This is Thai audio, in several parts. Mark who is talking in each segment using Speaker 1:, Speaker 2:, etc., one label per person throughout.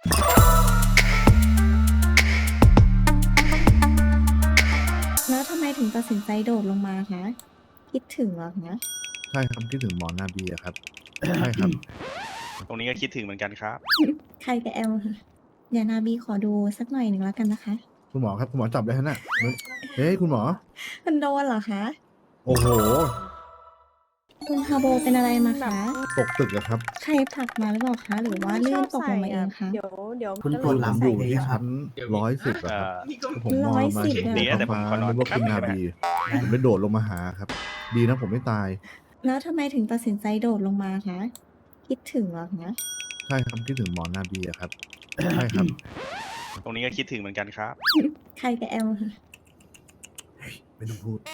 Speaker 1: แล้วทำไมถึงตัดสินใจโดดลงมาคะคิดถึงเหรอคะ
Speaker 2: ใช่ครับคิดถึงหมอนาบีอะครับ ใช่ครับ
Speaker 3: ตรงนี้ก็คิดถึงเหมือนกันครับ
Speaker 1: ใครกับแอลค่ะเดี๋ยวนาบีขอดูสักหน่อยหนึ่งแล้วกันนะคะ
Speaker 2: คุณหมอครับคุณหมอจับเลยฮะน่ะเฮ้ยคุณหมอ
Speaker 1: มันโดนเหรอคะ
Speaker 2: โอ้โห
Speaker 1: คุณฮาโบเป็นอะไรมาคะ
Speaker 2: ตกตึกอะครับ
Speaker 1: ใครผลักมาหรือเปล่าคะ หรือว่าลื่นตกลงมาเองคะ
Speaker 4: เดี๋ยว
Speaker 2: คุณ
Speaker 4: ก็
Speaker 2: ปวด
Speaker 4: ล
Speaker 2: หลัง
Speaker 4: ง
Speaker 2: อ
Speaker 4: ใส่
Speaker 2: ยู่
Speaker 4: เลย
Speaker 2: ที่
Speaker 4: อะครับ
Speaker 2: ชั้น110อะครับผมนอนมา
Speaker 1: 110
Speaker 2: เห็น
Speaker 1: เลยเหรอ
Speaker 2: ท้องฟ้านึกว่าคุณนาบีผมเลยโดดลงมาหาครับ ดีนะผมไม่ตาย
Speaker 1: แล้วทำไมถึงตัดสินใจโดดลงมาคะคิดถึงเหรอคะ
Speaker 2: ใช่ครับคิดถึงหมอนาบีอะครับ ใช่ครับ
Speaker 3: ตรงนี้ก็คิดถึงเหมือนกันครับ
Speaker 1: ใครกับแอลค่ะ
Speaker 2: ไม่ต้องพูด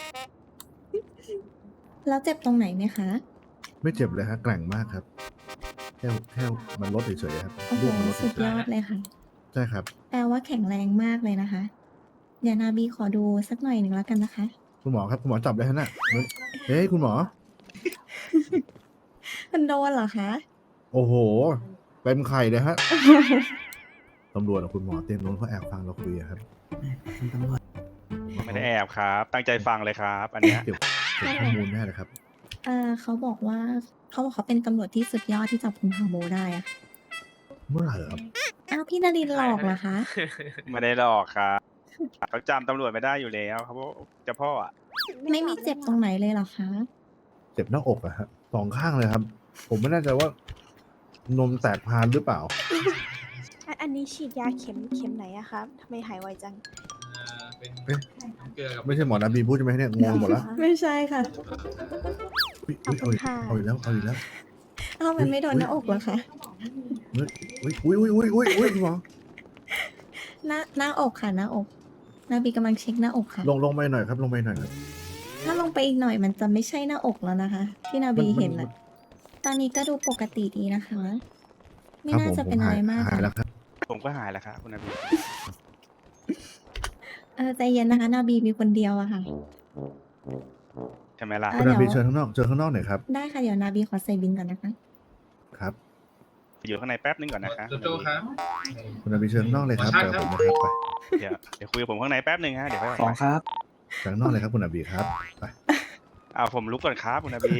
Speaker 1: แล้วเจ็บตรงไหนไหมคะ
Speaker 2: ไม่เจ็บเลยฮะแกร่งมากครับแค่มันลดเฉยๆครับ
Speaker 1: โอ้โห
Speaker 2: เลือดมันลด
Speaker 1: สุด
Speaker 2: เฉ
Speaker 1: ย
Speaker 2: ย
Speaker 1: อดเลยค่ะ
Speaker 2: ๆใช่ครับ
Speaker 1: แปลว่าแข็งแรงมากเลยนะคะ เดี๋ยวนาบีขอดูสักหน่อยหนึ่งแล้วกันนะคะ
Speaker 2: คุณหมอครับคุณหมอจับเลยฮะน่ะเฮ้ยคุณหมอ
Speaker 1: มันโดนเหรอคะ
Speaker 2: โอ้โหเต็มไข่เลยฮะ ตำรวจกับคุณหมอเต็มนู้นเขาแอบฟังเราคุยอะครับ
Speaker 4: คุณตำรวจ
Speaker 3: ไม่ได้แอบครับ ตั้งใจฟังเลยครับ อันเนี้ย
Speaker 2: เก็บข้อมูลแน่เลยครับ
Speaker 1: เขาบอกว่าเขาเป็นตำรวจที่สุดยอดที่จับคุณฮาโบได้อะ
Speaker 2: เมื่อไหร่เหรอครับ
Speaker 1: อ้าวพี่นารินหลอกเหรอคะ
Speaker 3: ไม่ได้หลอกครับเขาจำตำรวจไม่ได้อยู่แล้วเขาบอกจะพ่ออะ
Speaker 1: ไม่มีเจ็บตรงไหนเลยเหรอคะ
Speaker 2: เจ็บหน้าอกอะฮะสองข้างเลยครับ ผมไม่แน่ใจว่านมแตกพานหรือเปล่า
Speaker 4: อันนี้ฉีดยาเข็มไหนอะครับทำไมหายไวจัง
Speaker 5: เป็น
Speaker 2: เอ๊ะ
Speaker 5: เกลือกับ
Speaker 2: ไม่ใช่หมอนาบีพูดใช่ไหมเนี่ยงงหมดแล้ว
Speaker 1: ไม่ใช่ค่ะ
Speaker 2: อุ๊ยเอาอีกเอาอีกแล้วเอาอีกแล้ว
Speaker 1: อ้าวมันไม่โดนหน้าอกเหรอคะ
Speaker 2: อุ้ยคุณหมอ
Speaker 1: หน้าอกค่ะหน้าอก นาบีกำลังเช็คหน้าอกค่ะ
Speaker 2: ลงไปหน่อยครับลงไปหน่อยครับ
Speaker 1: ถ้าลงไปอีกหน่อยมันจะไม่ใช่หน้าอกแล้วนะคะ ที่นาบีเห็น
Speaker 2: มั
Speaker 1: อะตอนนี้ก็ดูปกติดีนะคะ ไม่
Speaker 2: ครับ
Speaker 1: น่า
Speaker 2: ผม
Speaker 1: จะ
Speaker 2: ผ
Speaker 1: เป็น
Speaker 2: ม
Speaker 1: อะ
Speaker 2: หา
Speaker 1: ไร
Speaker 2: ย
Speaker 1: มาก
Speaker 2: หาย
Speaker 1: ค่ะ
Speaker 2: แล้วครับ
Speaker 3: ผมก็หายแล้วครับคุณนาบี
Speaker 1: ใจเย็นนะคะ นาบีมีคนเดียวอะค่ะ
Speaker 3: ใช่ไหมล่ะ
Speaker 1: อ่ะ
Speaker 2: คุณนาบี
Speaker 1: เดี๋ยว
Speaker 2: เชิญข้างนอกเชิญข้างนอกหน่อยครับ
Speaker 1: ได้ค่ะเดี๋ยวนาบีขอใส่บินก่อนนะคะ
Speaker 2: ครับ
Speaker 3: อยู่ข้างในแป๊บนึงก่อนนะคะ
Speaker 5: โจโจ้ครับ
Speaker 2: คุณนาบีเชิญข้างนอกเลยครับ
Speaker 5: ขอ
Speaker 2: เดี๋ยว
Speaker 5: ชา
Speaker 2: ผ
Speaker 5: ร์
Speaker 2: ม
Speaker 5: จ
Speaker 2: นะครับไป
Speaker 3: เดี๋ยวคุยกับผมข้างในแป๊บนึงฮะเดี๋ยวค่อยออก
Speaker 6: สอง
Speaker 3: ไป
Speaker 6: ครับ
Speaker 2: เชิญข้างนอกเลยครับคุณนาบีครับไป
Speaker 3: เอาผมลุกก่อนครับคุณนาบี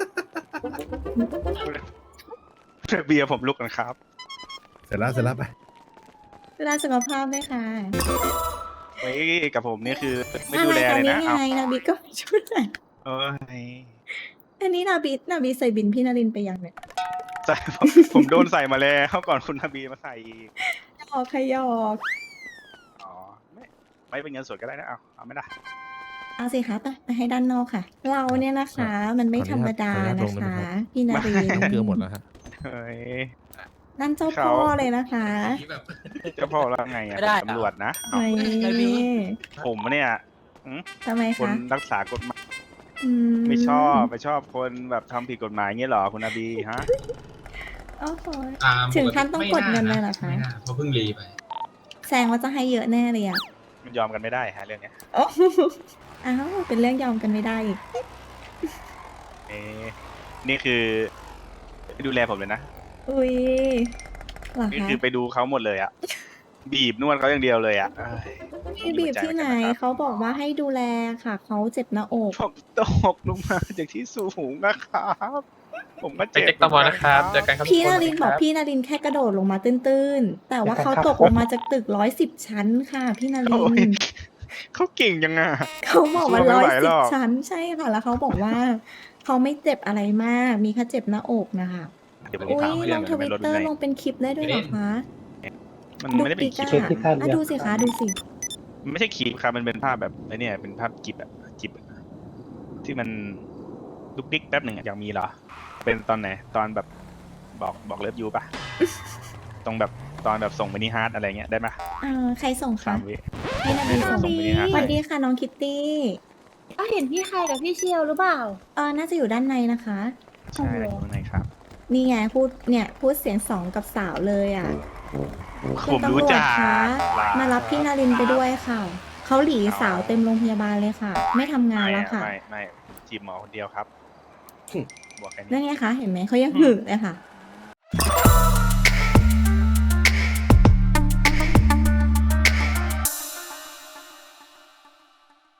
Speaker 3: คุณนาบีเอาผมลุกก่อนครับ
Speaker 2: เสร็จแล้วไป
Speaker 1: เวลาสุขภาพด้วยค่ะ
Speaker 3: ไว้กับผมนี่คือไม่ดูแลเลยนะ
Speaker 1: นี่
Speaker 3: เอา
Speaker 1: ไงนาบีก็ไม่ช่วยเลย
Speaker 3: เอ้ย
Speaker 1: อันนี้นาบีใส่บินพี่นารินไปยังเนี่ย
Speaker 3: ใส่ผมโดนใส่มาแล้วก่อนคุณนาบีมาใส่อีก
Speaker 1: หยอกค่ะหยอก
Speaker 3: อ๋อไม่เป็นเงินสดก็ได้นะเอาไม่ได้
Speaker 1: เอาสิคะไปให้ด้านนอกค่ะ เราเนี่ยนะคะ มันไม่ธรรมดานะคะ พี่นาริน
Speaker 3: ไม่
Speaker 6: เกลือหมดแล้วฮะ
Speaker 3: เฮ้ย
Speaker 1: นั่นเจ้าพ่อเลยนะคะ
Speaker 5: นี่แบบ
Speaker 3: เจ้าพ่อแล้วไงอะ
Speaker 6: ไม่ได้
Speaker 3: ตำรวจนะเอา
Speaker 1: นี่
Speaker 3: ผมเนี่ย
Speaker 1: ทำไม
Speaker 3: คน
Speaker 1: คะ
Speaker 3: รักษากฎหมาย
Speaker 1: อื
Speaker 3: ไม่ชอบคนแบบทำผิดกฎหมายเงี้ยเหรอคุณนาบีฮะ
Speaker 1: โอ้โห
Speaker 5: อ่า
Speaker 1: ถึงขั้นต้องกดเงินเลยเหรอคะ
Speaker 5: ไม่น่าเพราะเพิ่งรีไป
Speaker 1: แซงว่าจะให้เยอะแน่เลยอ่ะ
Speaker 3: มันยอมกันไม่ได้ฮะเรื่องเนี้ย
Speaker 1: โอ้อ้าวเป็นเรื่องยอมกันไม่ได้อีก
Speaker 3: เอ๊ะนี่คือดูแลผมเลยนะ
Speaker 1: อุ้ยเหรอ
Speaker 3: นี่
Speaker 1: คะ
Speaker 3: คือไปดูเขาหมดเลยอะบีบนวดเขาอย่างเดียวเลยอะเอ้ย
Speaker 1: พี่บีบที่ไหนเขาบอกว่าให้ดูแลค่ะ เขาเจ็บหน้าอก
Speaker 3: ผมตกลงมาจากที่สูงนะครับ ผมก็
Speaker 7: ไป
Speaker 3: เจ็บ
Speaker 7: เช็คตมนะครับเจอกันครับ
Speaker 1: พี่
Speaker 7: ทุ
Speaker 1: นา
Speaker 7: ค
Speaker 1: รินบอกพี่นารินแค่กระโดดลงมาตื้นๆ แต่ว่าเขาตกลงมาจากตึก110 ชั้นค่ะ พี่นาริ
Speaker 3: โอ้ย
Speaker 1: น
Speaker 3: เขาเก่งยังอะ
Speaker 1: เขาบอกว่า
Speaker 3: สู้ไม่ไหวหรอก
Speaker 1: 110 ชั้นใช่ค่ะ แล้วเขาบอกว่า เขาไม่เจ็บอะไรมาก มีแค่เจ็บหน้าอกนะคะ
Speaker 3: เดี๋ยวผม
Speaker 1: อุ้ย
Speaker 3: ถาม
Speaker 1: ล
Speaker 3: เพื่อน
Speaker 1: ง
Speaker 3: ก่
Speaker 1: ท
Speaker 3: อน
Speaker 1: วิ
Speaker 3: ไม่
Speaker 1: ต
Speaker 3: ลด
Speaker 1: เตอ
Speaker 3: ไง
Speaker 1: ร์ลงเป็นคลิปได้ด้วยเหรอคะ
Speaker 3: มันไม่ได้เป็นคลิป
Speaker 1: ดุกดิกอะอ่ะดูสิคะดูสิ
Speaker 3: มันไม่ใช่คลิปครับมันเป็นภาพแบบไอ้เนี่ยเป็นภาพจิบอะจิบอะที่มันลุกดิ๊กแป๊บหนึ่งอะอยากมีเหรอ เป็นตอนไหนตอนแบบบอกเลิฟยูปะ ตรงแบบตอนแบบส่งมินิฮาร์ดอะไรเงี้ยได้ไหม
Speaker 1: ใครส่งคะ
Speaker 3: 3 วิ
Speaker 1: พี่นารินส่ง
Speaker 3: ส่งมินิฮาร์ด
Speaker 1: สวัสดีค่ะน้องคิตตี้
Speaker 4: ก็เห็นพี่ใครกับพี่เชียวหรือเปล่า
Speaker 1: น่าจะอยู่ด้านในนะคะ
Speaker 3: ใช่แล้วข้างในครับ
Speaker 1: นี่ไงพูดเสียงสองกับสาวเลยอ่ะ
Speaker 3: ผมรู้จัก
Speaker 1: คุณตำรวจคะมารับพี่นารินไปด้วยค่ะ เขาหลีสาวเต็มโรงพยาบาลเลยค่ะ ไม่ทำงานแล้วค่ะ
Speaker 3: ไม่จีบหมอคนเดียวครับ บอกแค่นี้
Speaker 1: นั่นไงคะ เห็นไหมเขายังหึงเลยค่ะ